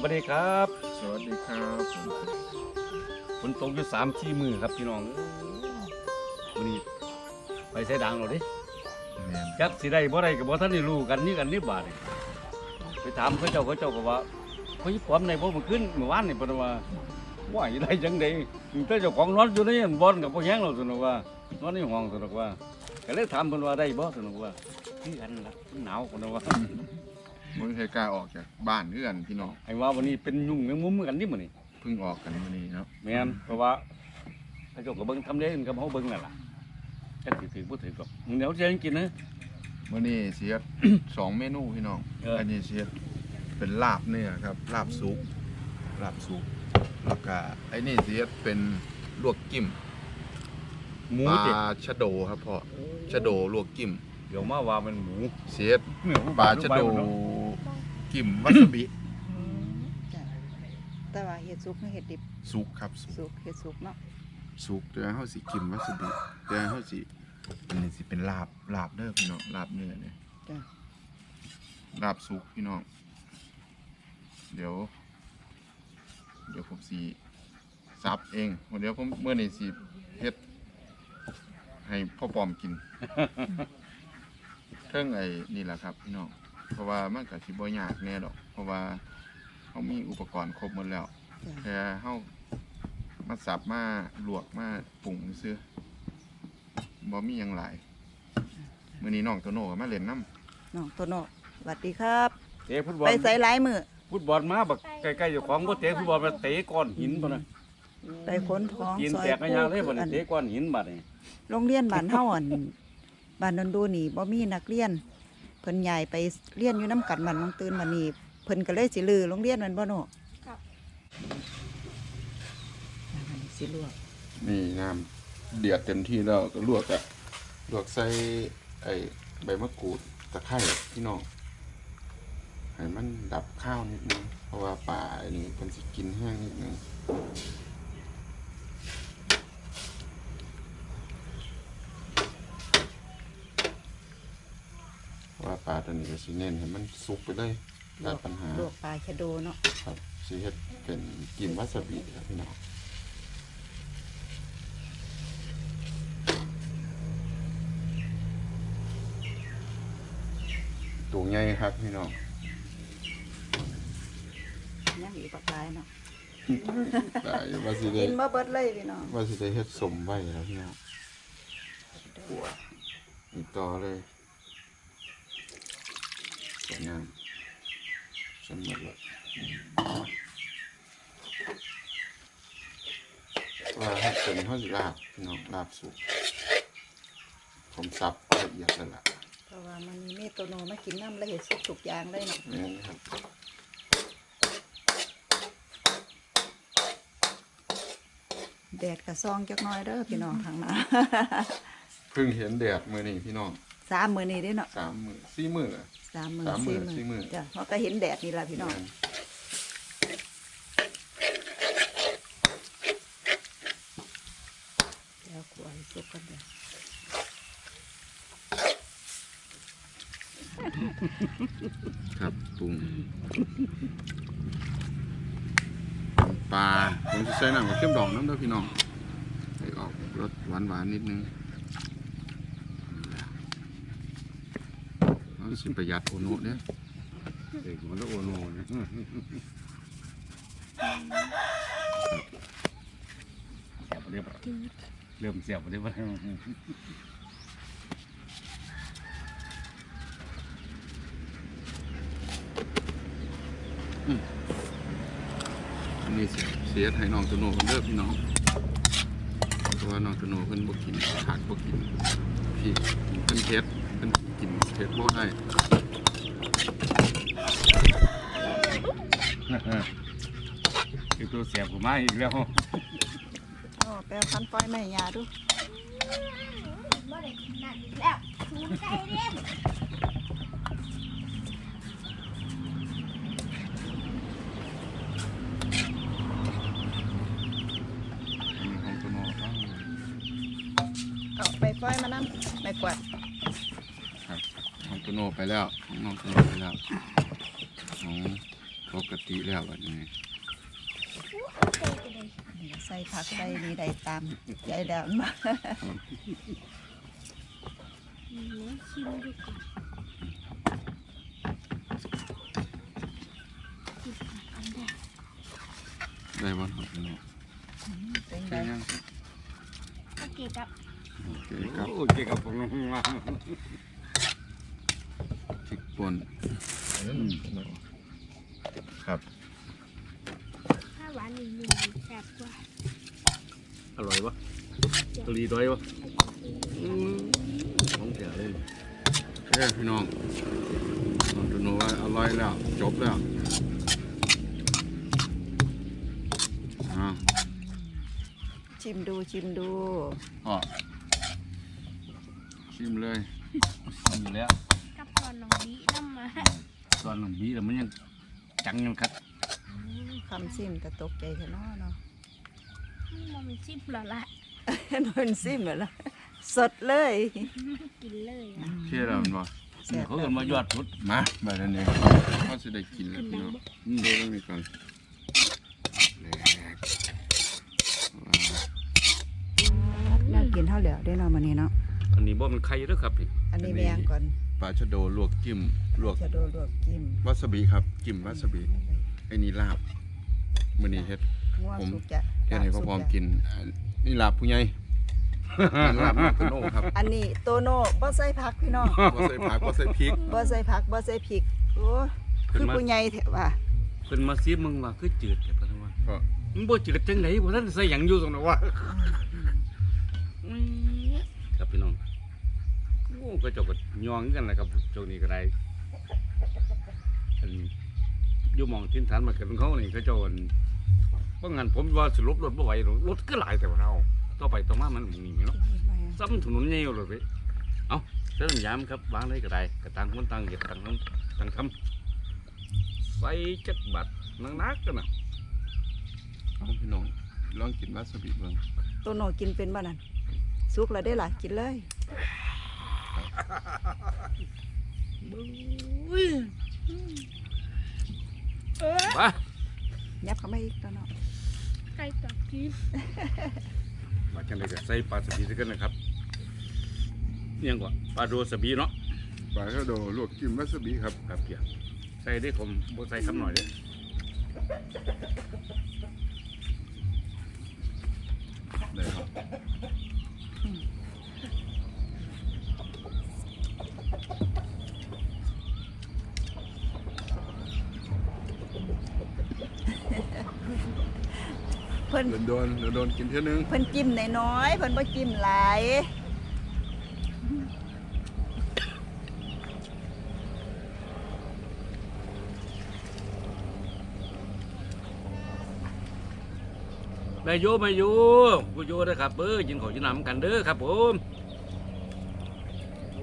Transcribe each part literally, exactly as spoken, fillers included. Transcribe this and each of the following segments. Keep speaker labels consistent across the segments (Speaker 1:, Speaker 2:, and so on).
Speaker 1: วัสดีครับ
Speaker 2: สวัสดีครับผม
Speaker 1: ฝนตกอยู่สามที่มือครับพี่น้องวันนี้ไปใส่ดังเราดิจักสิได้บ่ได้กับบ่ท่านได้รู้กันนี่กันนี่บาดนี่ไปถามเขาเจ้าเขาเจ้าก็ว่าเฮ้ยปอมในบ่มันขึ้นเมื่อวานนี่เพิ่นว่าว่าสิได้จังได๋แต่เจ้าของนอนอยู่ในบ่อนกับบ่แฮงเราซั่นว่า นอนในห้องซั่นว่าก็เลยถามเพิ่นว่าได้บ่ซั่นว่าคือกันล่ะหนาวซั่นว่า
Speaker 2: มันเคยกล้าออกจากบ้านเพื่อนพี่น้อง
Speaker 1: ไอ้ว่าวันนี้เป็นยุ่งแมงมุมกันนี่มื้อนี้
Speaker 2: เพิ่งออกกันมื้อนี้เนาะ
Speaker 1: แม่นเพราะว่าเขาเจ้าก็เบิ่งทำได้กับเฮาเบิ่งนั่นล่ะจักสิถือบ่ถือก็เดี๋ยวจะกินนะ
Speaker 2: มื้อนี้เสียสองเมนูพี่น้องอันนี้เสียเป็นลาบเนื้อครับลาบสุกลาบสุกแล้วก็ไอ้นี่เสียเป็นลวกกิ้ม
Speaker 1: หมู
Speaker 2: ปลาชะโดครับพ่อชะโดลวกกิ้ม
Speaker 1: เดี๋ยวมาว่ามันหมู
Speaker 2: เสียปลาชะโดกิ้มวาซาบิ
Speaker 3: แต่ว่าเห็ดสุกเห็ดดิบ
Speaker 2: สุกครับ
Speaker 3: สุกเห็ดสุกเนาะ
Speaker 2: สุกเดี๋ยวเฮาสิกิ้มวาซาบิเดี๋ยวเฮาสิอันนี้สิเป็นลาบลาบเด้อพี่น้องลาบเนื้อเนี่ยลาบสุกพี่น้องเดี๋ยวเดี๋ยวผมสิซับเองเดี๋ยวผมเมื่อนี้สิเฮ็ดให้พ่อปอมกินเทิงไอ้นี่แหละครับพี่น้องเพราะว่ามันก็สิบ่ยากแน่ดอกเพราะว่าเฮามีอุปกรณ์ครบหมดแล้วแค่เฮามาสับมาลวกมาปรุงซื่อบ่มีหยังหลายมื้อนี้น้องโตโน่ก็มาเล่นน้ำ
Speaker 3: น้องโตโน่สวัสดีครับ
Speaker 1: เตะฟุตบอล
Speaker 3: ไปใส่หลายมือ
Speaker 1: ฟุตบอลมาบักใกล้ๆเจ้าของบ่เตะฟุตบอลมาเตะก้อนหินตัวน่ะ
Speaker 3: ไปค้นท้อง
Speaker 1: กินแตกกันยางเลยบ่นี่เตะก้อนหินบัดนี่
Speaker 3: โรงเรียนบ้านเฮาอันบ้านนนดูนี่บ่มีนักเรียนเพิ่นใหญ่ไปเรียนอยู่น้ำกันบ้านน้องตื่นมานี่เพิ่นก็เลยสิลือโรงเรียนมันบ่โน่ครับสิลวก
Speaker 2: นี่น้ำเดือดเต็มที่แล้วก็ลวกอ่ะลวกใส่ไอ้ใบมะกรูดตะไคร้พี่น้องให้มันดับข้าวนิดนึงเพราะว่าปลาอันนี้เพิ่นสิกินแห้งนิดนึงว่าปลาตัวนี้ก็สิเน้นให้มันสุกไปเลยตัดปัญหา
Speaker 3: ลวกปลาชะโดเนาะ
Speaker 2: ครับสิเฮ็ดเป็นกินวาซาบิครับพี่น้องตัวใหญ่ครับพี่น้อง
Speaker 3: ยังอีกปลาลายเนาะ
Speaker 2: ได้ว่าสิได้
Speaker 3: กินมาเบิดเลยพี่น้อง
Speaker 2: ว่าสิได้เฮ็ดสมไว้แล้วพี่น้องอีกต่อเลยสวยงามสมบูรณ์เลยว่าให้เป็นข้าวสิลาบพี่น้องลาบสุกผมสับละเอียดแล้วล่ะ
Speaker 3: เพราะว่ามันมีโตโน่มากินน้ำละเอียดสุกทุกอย่างเลยเนาะ
Speaker 2: นี่ครับ
Speaker 3: แดดกระซองจักน้อยเด้อพี่น้องทางนั้น
Speaker 2: เพิ่งเห็นแดดมื้อนี้พี่น้อง
Speaker 3: สามมื้อนี้เด้เนาะ
Speaker 2: สามมื้อสี่มื้อละ
Speaker 3: สามมื้อสี่มื้อจ้ะเพราะก็เห็นแดดนี่ล่ะพี่น้องแล้วกลัวสุกกันเด้อ
Speaker 2: ครับปรุงปลาผมจะใส่น้ำกับเข้มดองน้ำด้วยพี่น้องให้ออกรสหวานหวานนิดนึงเราสิประหยัดโอโน่เนี่ย
Speaker 1: เด็กมันต้องโอโน่เนี่ยเสียบเรียบเริ่มเสียบเรียบ
Speaker 2: อันนี้เสียให้น้องตัวโน่เลิกพี่น้องเพราะว่าน้องตัวโน่เพิ่นบ่กินขาดบ่กินพี่เพิ่นเผ็ดเพิ่นกินเผ็ดบ่ได้
Speaker 1: คือตัวเสียบกูมาอีกแล้ว
Speaker 3: โอ้แปลคันปล่อยแม่ยาดู
Speaker 4: บ่ได้กินนั่นอีกแล้วถูกใจเด้
Speaker 3: เอาไปปล่อยมานั่งไม่กวาด
Speaker 2: ครับน้องตัวโน่ไปแล้วน้องตัวโน่ไปแล้วของโทปกติแล้วบัดนี้
Speaker 4: ใส่ก็ได้
Speaker 3: นี่ก็ใส่ผักใส่นี่ได้ตามใจแล้วมา
Speaker 4: อืมชิมดูก่อนกินอันแรก
Speaker 2: ได้บ่ครับพี่น้อง
Speaker 3: เป็นไง
Speaker 2: ใช่ยัง
Speaker 4: โอเคครับ
Speaker 2: โอเคครับ
Speaker 1: โอเคครับผม
Speaker 2: พริกป่นครับ
Speaker 4: ถ้าหวานนิดนึงแซ่บกว่า
Speaker 1: อร่อยปะตรีด้อยปะของแถวเลย
Speaker 2: เอ้ยพี่น้องน้องดูโนว่าอร่อยแล้วจบแล้วอ้าว
Speaker 3: ชิมดูชิมดู
Speaker 2: พ่อชิมเลย
Speaker 1: อยู่แล้ว
Speaker 4: กับตอนน้องบีน้ำมา
Speaker 1: ตอนหนุ่มบีแต่มันยังจังยังคัด
Speaker 3: คำซิมแต่ตกใจแค่น้อเนาะ
Speaker 4: มันเป็นชิมแล้วล่ะ
Speaker 3: นอนซิมเหรอสดเลย
Speaker 4: กินเลยอ่ะ
Speaker 2: เชื่อแล้วมันบ่
Speaker 3: แซ่บ
Speaker 1: เขาเอินมายอดชุด
Speaker 2: มาแบบนี้เขาจะได้กินแล้วพี่น้องเชื่อแล้วมีก่อนแหลก
Speaker 3: น่ากินเท่าเหลียวได้เนาะมื้อนี้เนาะ
Speaker 1: อันนี้บ่มันไข่เด้อครับพี่
Speaker 3: อันนี้แมงก่อน
Speaker 2: ปลาชะโดลวกจิ้มลวก
Speaker 3: จะโดนลวกจิ้ม
Speaker 2: วาซาบิครับจิ้มวาซาบิไอ้นี่ลาบมื้อนี้เฮ็ด
Speaker 3: ง่วง
Speaker 2: ผม
Speaker 3: สุกจะ
Speaker 2: เฮ็ดให้พ่อพร้อมกินอ่านี่ลาบผู้ใหญ่อันลาบน้องตะโน่ครับ
Speaker 3: อันนี้โตโน่บ่ใส่ผักพี่น้อง
Speaker 2: บ่ใส่ผักบ่ใส่พริก
Speaker 3: บ่ใส่ผักบ่ใส่พริกโอ้คือผู้ใหญ่แท้ว่า
Speaker 1: เพิ่นมาซีมึงว่าคือจืดแต่เพิ่นว่า
Speaker 2: ก็
Speaker 1: มันบ่จืดจังไดบ่ทันใส่หยังอยู่ตรงนั้นวะครับพี่น้องโอ้ก็เจาก็ยองกันแหละครับช่วงนี้ก็ได้อันอยู่หมองทินฐานมาเกิดของเขานี่เขาเจ้าอันเพราะงั้นผมว่าสรุปรถบ่ไหวหรอกรถก็หลายแต่ว่าเราต่อไปต่อมามันหมุนนี่เนาะซ้ำถนนใหญ่เลยไปเอาเส้นยามครับวางเลยก็ได้กระตังคนตังเหยียดตังคนตังทำใส่จักบัดนักๆกันนะ
Speaker 2: เอาพี่น้องลองกินวาซาบิเบิ่ง
Speaker 3: โตโน่กินเป็นบ่นั่นสุกแล้วได้ล่ะกินเลย
Speaker 1: ไป
Speaker 3: ยับเข้ามาอีกโตโน่
Speaker 4: ไก่ตับกิน
Speaker 1: มาจังเลยก็ใส่ปลาสบีซะกันนะครับนี่ยังกว่าปลาโดสบีเนาะ
Speaker 2: ปลาชะโดลวกจิ้มวาซาบิครับ
Speaker 1: ครับเกี่ยใส่ได้ผมบ่ใส่คำหน่อยเด้อ
Speaker 2: ได้ครับ
Speaker 3: เพิ่น
Speaker 2: โดนโดนโดนกินเท่านึง
Speaker 3: เพิ่นจิ้มน้อยๆเพิ่นบ่จิ้มหลาย
Speaker 1: ไปโยไปโยกูโยเด้อครับเอ้ยกินข้าวกินน้ำกันเด้อครับผม
Speaker 2: โอ้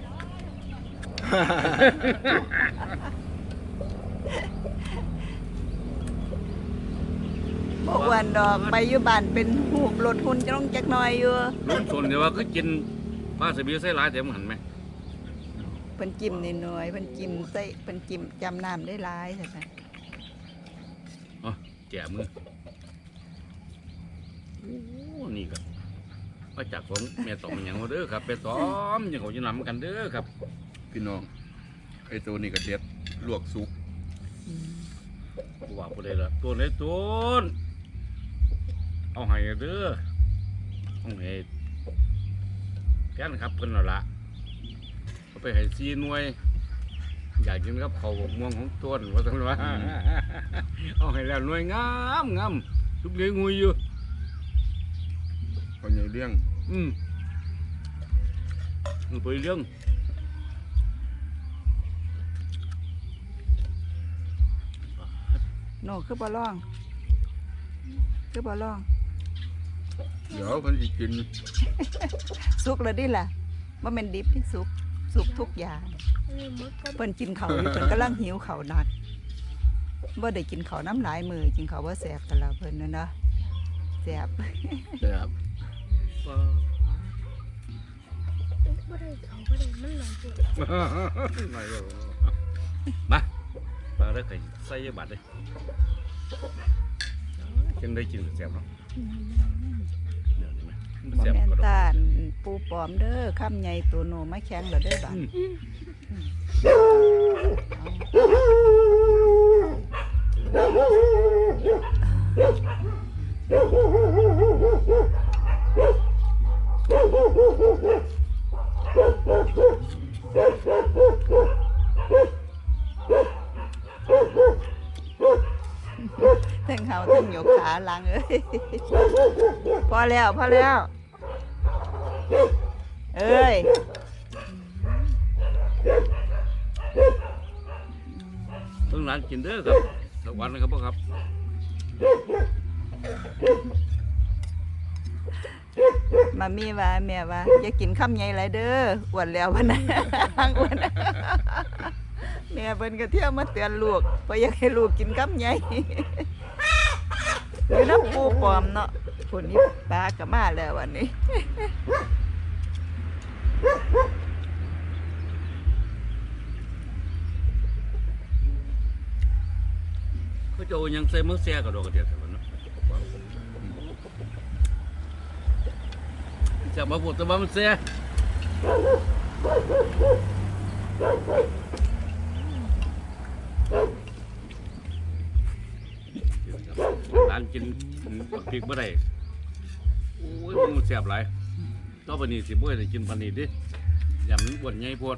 Speaker 3: บ่อ้วนดอกไปอยู่บ้านเป็นหูบรถหุ่นจะต้องจักหน่อยอยู่
Speaker 1: รุ่นส่วนเดียวว่าคือกินปลาสบีใส่หลายแต่มันหันไหม
Speaker 3: เพิ่นจิ้มน้อยๆเพิ่นจิ้มใส่เพิ่นจิ้มจำน้ำได้หลายซั่นน่ะ
Speaker 1: อ๋อแก่มือโอ้นี่ก็มาจากผมแม่ตอมอย่างเด้อครับแม่ตอมยังเขาจะนำกันเด้อครับ
Speaker 2: พี่น้องไอ้ตัวนี้ก็เด็ดลวกสุก
Speaker 1: ว่าบ่ได้ละตัวไหนตัวเอาให้เด้อเอาให้แก่นครับเพิ่นเอาละเอาไปให้ซีหน่วย อยากกินกับข้าวบกม่วงของต้นว่าซั่นว่าเอาให้แล้วหน่วยงามงามทุกเลี้ยงงูอยู่
Speaker 2: พอใหญ่เลี้ยง
Speaker 1: อืมมันไปเรื่อง
Speaker 3: โน่คือบ่ร้อง คือบ่ร้อง
Speaker 2: เดี๋ยวเพิ่นสิกิน
Speaker 3: สุกแล้วดิล่ะบ่แม่นดิบที่สุกสุกทุกอย่าง
Speaker 4: เออมึกก็
Speaker 3: เพิ่นกินข้าวอยู่เพิ่นกำลังหิวข้าวหนักบ่ได้กินข้าวน้ำหลายมื้อกินข้าวบ่แซ่บกันแล้วเพิ่นนั่นเนาะแซ่บ
Speaker 2: แบบ
Speaker 4: ไม่ได้เขาไม่ได้มันหลายตัว
Speaker 1: มาปลาแล้วก็ใส่บาทเลยจังได้กินแซ่บเนาะเดี๋ยวนี้ไหม
Speaker 3: บ่
Speaker 1: แซ่บ
Speaker 3: แม่น
Speaker 1: ก็ดอก
Speaker 3: ตาลปูปลอมเด้อคำใหญ่ตัวโนมาแข็งแล้วเด้อบาด ทั้งเฮาทั้งหยกขาหลังเอ้ยพอแล้วพอแล้วเอ้ย
Speaker 1: เพิ่งร้านกินเด้อครับสักวันนะครับพ่อครับ
Speaker 3: มามีว่าแม่ว่าอย่ากินคำใหญ่หลายเด้ออ้วนแล้ววันนั้นอ้วนแม่เพิ่นก็เที่ยวมาเตือนลูกเพราะอยากให้ลูกกินคำใหญ่อยู่น้ำปูปลอมเนาะผลนี้ปลาก็มาแล้ววันนี้
Speaker 1: เขาจะเอายังใส่มือแซ่กับดอกกระเดียดแต่วันเนาะจะมาพูดแต่ว่ามันแซ่ร้านกินบักพริกบ่ได้โอ้ยมันแซ่บหลายต่อไปนี้สิบ่ได้กินปานนี้ดิอย่ามันอ้วนใหญ่โพด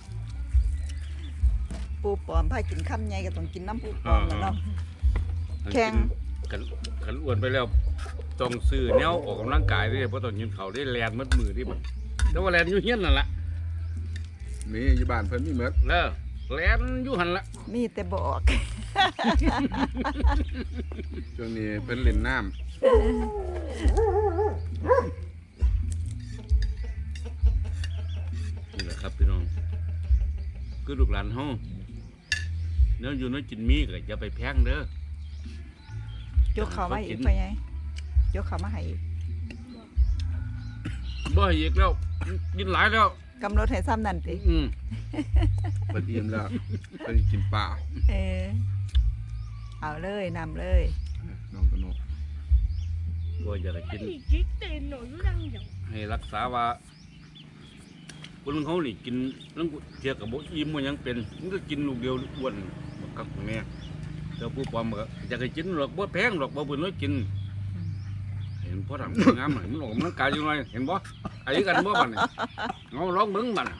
Speaker 3: ปูปลอมพากินคำใหญ่ก็ต้องกินน้ำปูปลอมแล้วเนาะ แข็ง
Speaker 1: ขันขันอ้วนไปแล้วต้องซื้อแนวออกกำลังกายด้วยเพราะต้องกินเขาวได้แลนมัดมือดิบัดแต่ว่าแลนอยู่เฮียนนั่นแหละ
Speaker 2: มีอยู่บ้านเพิ่นมีหมด
Speaker 1: แล้วแลนอยู่หันละ
Speaker 3: มีแต่บอก
Speaker 2: ช่วงนี้เพิ่นเล่นน้ำ
Speaker 1: นี่แหละครับพี่น้องคือลูกหลานเฮาเนื้ออยู่เนื้อกินมีก็อย่าไปแพงเด้อย
Speaker 3: กเขามาอีกไปไงยกเขามาให้อีก
Speaker 1: บ่ให้อีกแล้วกินหลายแล้ว
Speaker 3: กำหนดให้ซ้ำนั่นติ
Speaker 1: อืม
Speaker 2: เพิ่นอิ่มแล้วเพิ่นกินปลา
Speaker 3: เออเอาเลยนำเลย
Speaker 2: น้องตะโน
Speaker 1: บ่อยากให้กิน
Speaker 4: นี่จิ๊กเต้นหนูอยู่ดังอย่าง
Speaker 1: ให้รักษาว่าคนเขานี่กินแล้วเทียกับบ่อิ่มมันยังเป็นมันก็กินลูกเดียวอ้วนบักกักแม่เจ้าผู้ปลอมก็อยากให้กินหรอกบ่แพงหรอกบ่เพิ่นน้อยกินเห็นพ่อทำงามหน่อยมันออกกำลังกายอยู่หน่อยเห็นบ่ไอ้กันบ่บัดนี่เอาลองเบิ่งบัดน่ะ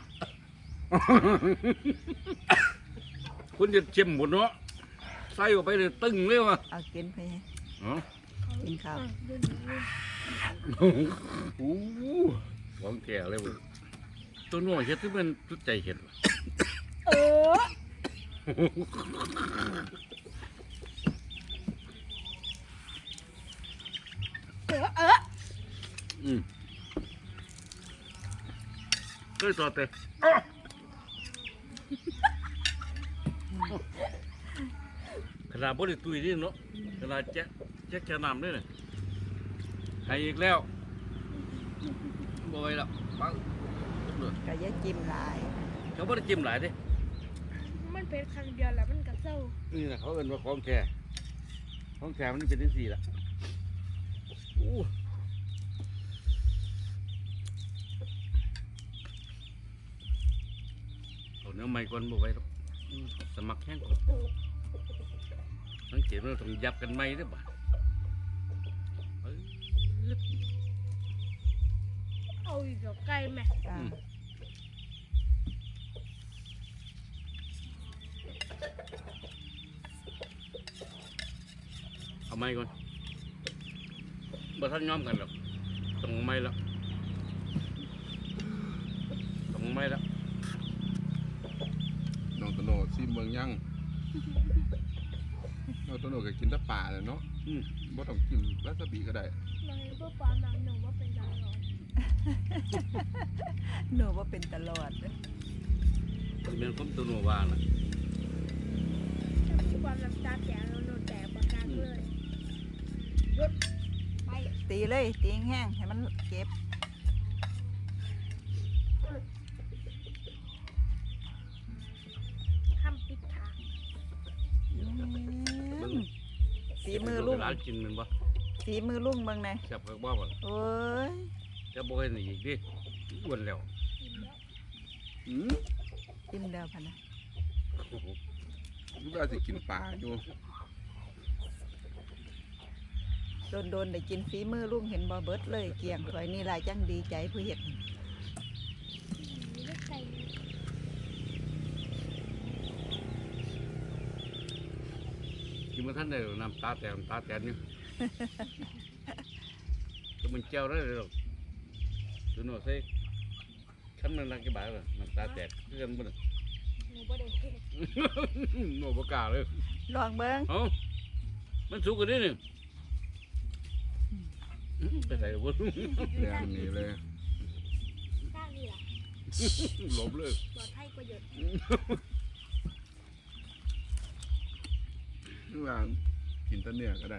Speaker 1: คุณจะเจ็มหมดเนาะใส่ออกไปเลยตึงเลยว่ะ
Speaker 3: เอากินไปไง
Speaker 1: อ๋อ
Speaker 3: กินข้าว
Speaker 4: เดิน
Speaker 1: โอ้โหของแก่เลยเว้ยตัวน้อยเฮ็ดที่มันสุดใจเห็ดว่ะ
Speaker 4: เออเออเออ
Speaker 1: อืมเคยต่อแต่ขนาดบริตุยนี่เนาะขนาดแจ๊ะแจ๊ะแค่น้ำด้วยเนี่ยให้อีกแล้วบ่อยแล้วปัง
Speaker 3: ก็อย่าจิ้มหลาย
Speaker 1: เขาบ่ได้จิ้มหลายเด้
Speaker 4: มันเป็นครั้งเดียวแล้วมันก็เศร้า
Speaker 1: นี่นะเขาเอิ้นว่าของแท้ของแท้มันเป็นจังซี่ล่ะอู้เอาเนื้อใหม่ก่อนบ่ไหวหรอกอืมสมัครแห้งก่อนสังเกตว่าต้องยับกันใหม่เด้อบ่ะเอ้ย
Speaker 4: เอาอีกแล้วไก่แม่
Speaker 3: อ่า
Speaker 1: เอาไม้ก่อนบ่ทันยอมกันหรอกต้องเอาไม้แล้วต้องเอาไม้แล้ว
Speaker 2: น้องตะโนซิเมืองยังน้องตะโนก็กินแต่ปลาแหละเนาะ
Speaker 1: อืม
Speaker 2: บ่ต้องกินวาซาบิก็ได้
Speaker 4: นายก็ปลาหนังหนูว่าเป็นดาวร้อน
Speaker 3: หนูว่าเป็นตลอดเด้อ
Speaker 1: มันเป็นความตัวหนูว่าน่ะ
Speaker 4: ถ้ามีความน้ำตาแตกแล้วหนูแตกปากกาเลยหยุดไป
Speaker 3: ตีเลยตีแห้งๆให้มันเก็บ
Speaker 4: คำปิดทาง
Speaker 1: อ
Speaker 3: อืมฝีมือลุง
Speaker 1: ร้านกินมันบ่
Speaker 3: ฝีมือลุงเบิ่งแหน่
Speaker 1: แซ่บกับบ่บ่
Speaker 3: โอ้ย
Speaker 1: จะบ่เห็นอีกดิอ้วนแล้ว
Speaker 2: อืม
Speaker 3: อิ่มแล้วพะนะ
Speaker 1: โอ้โห
Speaker 2: รู้ว่าสิกินปลาอยู่
Speaker 3: โดนๆได้กินฝีมือลุงเห็นบ่เบิดเลยเกลี้ยงถ้วยนี่ล่ะจังดีใจผู้เฮ็ด
Speaker 4: เลือกใส่
Speaker 1: กินมาท่านได้หรอกน้ำตาแตกน้ำตาแตกนี่ ก็มันเจ้าได้เลยหรอกดูหน่อยสิขั้นมันรักกี่บาทเลยน้ำตาแตกคือกันบ่เนี่ย
Speaker 4: หนูบ่ได้เฮ็ด
Speaker 1: โน่บ่กล้าเลย
Speaker 3: ลองเบิ่ง
Speaker 1: เอ้ามันสุกกันนี่นี่ไปใส่กับบ่
Speaker 2: แดงนี่เลย
Speaker 4: ข้างนี่ล่ะ
Speaker 1: หลบเลย
Speaker 4: ปลอดภัยกว่าหยด
Speaker 2: รู้ว่ากินแต้นเนื้อก็ได้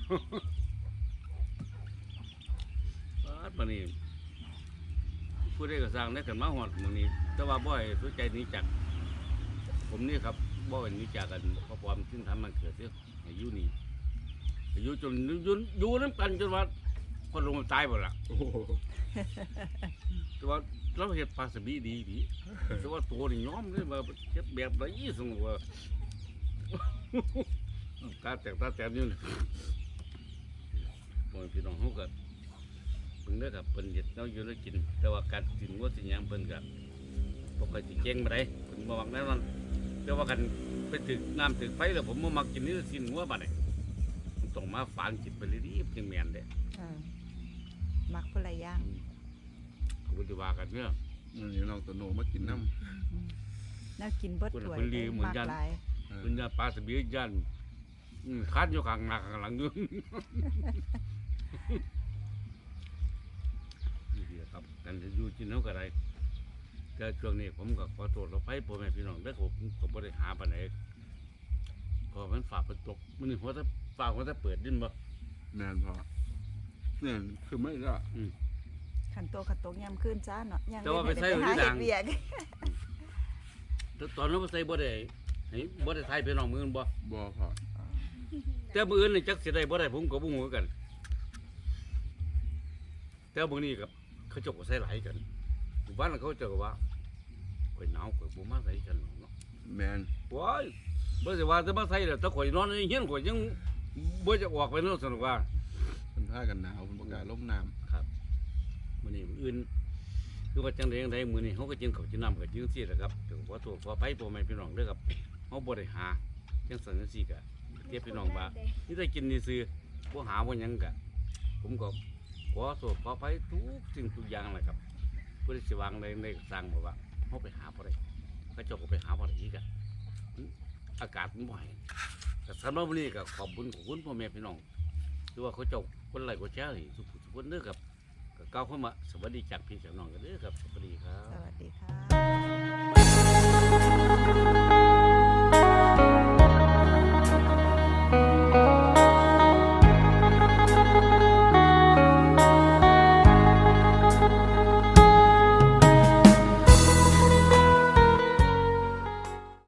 Speaker 1: ปาดมานี่ผู้ใดก็สร้างได้กันมาฮอดมื้อนี้แต่ว่าบ่ให้สนใจหนี้จากผมนี่ครับบ่ให้หนี้จากกันเพราะความซึ่งทำมันเกิดเด้อให้อยู่นี่ให้อยู่จนอยู่อยู่นำกันจนว่าคนลงมาตายบ่ล่ะ
Speaker 2: โอ้โห
Speaker 1: แต่ว่าเราเฮ็ดปลาสบีดีดีแต่ว่าตัวนี่ยอมเลยว่าเฮ็ดแบบไรสมมุติว่า ตาแตกตาแตกอยู่นี่พ่อแม่พี่น้องเฮาก็เพิ่นเด้อครับเพิ่นเฮ็ดแนวอยู่แล้วกิน แต่ว่าการกินว่าสิหยังเพิ่นก็บ่ค่อยสิเก่งปานใดเพิ่นบ่มักแน่นอนแต่ว่ากันไปถึกน้ำถึกไฟแล้วผมบ่มักกินนี่สิ้นหัวบัดนี้มันต้องมาฝานกินไปเลยดิจังแม่นเด้
Speaker 3: เออมักผู้ละอย่าง
Speaker 1: ก็บ่ได้ว่ากันเด้อ
Speaker 2: นี่น้องตัวโนมากินน้
Speaker 3: แนวกินเบิดถ้วย
Speaker 1: เพิ่นลีเหมือน
Speaker 3: มัก
Speaker 1: กัน
Speaker 3: หลาย
Speaker 2: ำ
Speaker 1: เพิ่นย่านปลาสบีย่านอืมคาดอยู่ข้างหน้าข้างหลังอยู่ นี่เดียวครับกันจะอยู่กินเท่ากับไรแต่ช่วงนี้ผมก็ขอโทษเราไปพ่อแม่พี่น้องได้อผมก็บ่ได้หาปานไหนก็มันฝากเปิดตกมันนี่หัวถ้าฝากหัวถ้าเปิดดินบ่
Speaker 2: แมนพอเนี่ยคือไม่ละ
Speaker 3: ขันโตขันโตยามขึ้นจ้าเนาะยัง
Speaker 1: แต่ว่าไปใส่
Speaker 3: หา
Speaker 1: ที่
Speaker 3: เฮ็
Speaker 1: ดั
Speaker 3: ด
Speaker 1: ง
Speaker 3: เวียก
Speaker 1: แต่ตอนนั้นบ่ใส่บ่ได้ให้บ่ได้ทายพี่น้องมืออนบ่
Speaker 2: บอพอ
Speaker 1: แต่มื้ออื่นนี่จักสิได้บ่ได้ผมก็บ่ฮู้คือกัน แต่มื้อนี้กับเขาเจ้าก็ใส่หลายกันหมู่บ้านเขาเจ้าก็ว่าข่อยหนาวข่อยบ่มาใส่กันหรอกเนาะ
Speaker 2: แมน
Speaker 1: ว้ายบ่สิว่าจะมาใส่แล้วถ้าข่อยนอนในเฮียนข่อยยังบ่จะออกไปเนาะสนุกว่า
Speaker 2: เป็นผ้ากันหนาวเป็นประกาศล่มน้
Speaker 1: ครับมื้อนี้มื้ออื่นคือว่าจังได๋จังไดมื้อนี้เฮาก็กินข้าวกินน้ำก็จังซี่แหละครับถึงขอโทษขออภัยพ่อแม่พี่น้องเด้อครับเฮาบ่ได้หาจังซั่นจังซี่ก็เทียบพี่น้องว่านี่ได้กินนี่ซื่อบ่หาบ่หยังก็ผมก็ขอโทษขออภัยทุกสิ่งทุกอย่างแหละครับผู้ที่สิวางในในสร้างบอกว่าเฮาไปหาบ่ได้เขาเจ้าก็ไปหาบ่ได้อีกอะอากาศมันบ่ให้ก็สำหรับวันนี้ก็ขอบคุณขอบคุณพ่อแม่พี่น้องที่ว่าเขาเจ้าคนไลค์กดแชร์ให้ทุกผู้ทุกคนเด้อครับก็ก้าวเข้ามาสวัสดีจากพี่จากน้องกันเด้อครับสวัสดีครับ
Speaker 3: สวัสดีค่ะ